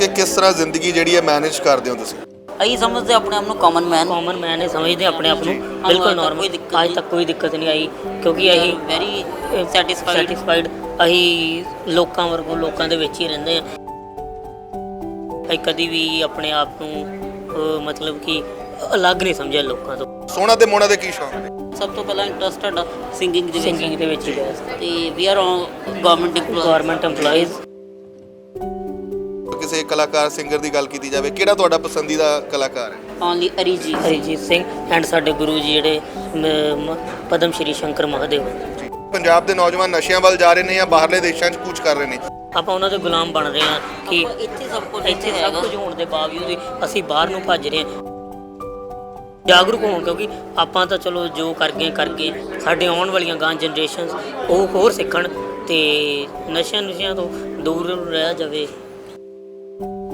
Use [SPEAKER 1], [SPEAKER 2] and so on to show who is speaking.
[SPEAKER 1] ਕਿ ਕਿਸ ਤਰ੍ਹਾਂ ਜ਼ਿੰਦਗੀ ਜਿਹੜੀ ਹੈ ਮੈਨੇਜ ਕਰਦੇ ਹੋ ਤੁਸੀਂ?
[SPEAKER 2] ਅਸੀਂ ਸਮਝਦੇ ਆਪਣੇ ਆਪ ਨੂੰ ਕਾਮਨ ਮੈਨ
[SPEAKER 3] ਹੀ ਸਮਝਦੇ ਆਪਣੇ ਆਪ ਨੂੰ ਬਿਲਕੁਲ ਨਾਰਮਲ। ਅੱਜ ਤੱਕ ਕੋਈ ਦਿੱਕਤ ਨਹੀਂ ਆਈ ਕਿਉਂਕਿ ਅਸੀਂ
[SPEAKER 2] ਵੈਰੀ
[SPEAKER 3] ਸੈਟੀਸਫਾਈਡ। ਅਸੀਂ ਲੋਕਾਂ ਵਰਗੋਂ ਲੋਕਾਂ ਦੇ ਵਿੱਚ ਹੀ ਰਹਿੰਦੇ ਹਾਂ। ਅਸੀਂ ਕਦੀ ਵੀ ਆਪਣੇ ਆਪ ਨੂੰ ਮਤਲਬ ਕਿ ਅਲੱਗ ਨਹੀਂ ਸਮਝਿਆ ਲੋਕਾਂ ਤੋਂ।
[SPEAKER 1] ਸੋਹਣਾ ਤੇ ਮੋਹਣਾ ਦੇ ਕੀ ਸ਼ੌਕ ਨੇ?
[SPEAKER 2] ਸਭ ਤੋਂ ਪਹਿਲਾਂ ਇੰਟਰਸਟਡ ਸਿੰਗਿੰਗ
[SPEAKER 3] ਦੇ ਵਿੱਚ ਹੀ
[SPEAKER 2] ਤੇ ਵੀ ਆਰ ਗਵਰਨਮੈਂਟ
[SPEAKER 3] EMPLOYEES।
[SPEAKER 1] ਕਿਸੇ ਕਲਾਕਾਰ ਸਿੰਗਰ ਦੀ ਗੱਲ ਕੀਤੀ ਜਾਵੇ, ਕਿਹੜਾ ਤੁਹਾਡਾ ਪਸੰਦੀਦਾ ਕਲਾਕਾਰ ਹੈ?
[SPEAKER 2] ਓਨਲੀ
[SPEAKER 3] ਅਰੀਜੀਤ ਸਿੰਘ ਐਂਡ ਸਾਡੇ ਗੁਰੂ ਜੀ ਜਿਹੜੇ ਪਦਮ ਸ਼੍ਰੀ ਸ਼ੰਕਰ ਮਹਾਦੇਵ।
[SPEAKER 1] ਪੰਜਾਬ ਦੇ ਨੌਜਵਾਨ ਨਸ਼ਿਆਂ ਵੱਲ ਜਾ ਰਹੇ ਨੇ ਜਾਂ ਬਾਹਰਲੇ ਦੇਸ਼ਾਂ 'ਚ ਕੂਚ ਕਰ ਰਹੇ ਨੇ?
[SPEAKER 3] ਆਪਾਂ ਉਹਨਾਂ ਦੇ ਗੁਲਾਮ ਬਣ ਰਹੇ ਹਾਂ ਕਿ
[SPEAKER 2] ਇੱਥੇ ਸਭ
[SPEAKER 3] ਕੁਝ ਹੋਣ ਦੇ ਬਾਵਜੂਦ ਵੀ ਅਸੀਂ ਬਾਹਰ ਨੂੰ ਭੱਜ ਰਹੇ ਹਾਂ। ਜਾਗਰੂਕ ਹੋਣ ਕਿਉਂਕਿ ਆਪਾਂ ਤਾਂ ਚਲੋ ਜੋ ਕਰ ਗਏ ਸਾਡੇ ਆਉਣ ਵਾਲੀਆਂ ਗਾਂ ਜਨਰੇਸ਼ਨਸ ਉਹ ਹੋਰ ਸਿੱਖਣ ਤੇ ਨਸ਼ਿਆਂ ਤੋਂ ਦੂਰ ਰਹਿ ਜਾਵੇ।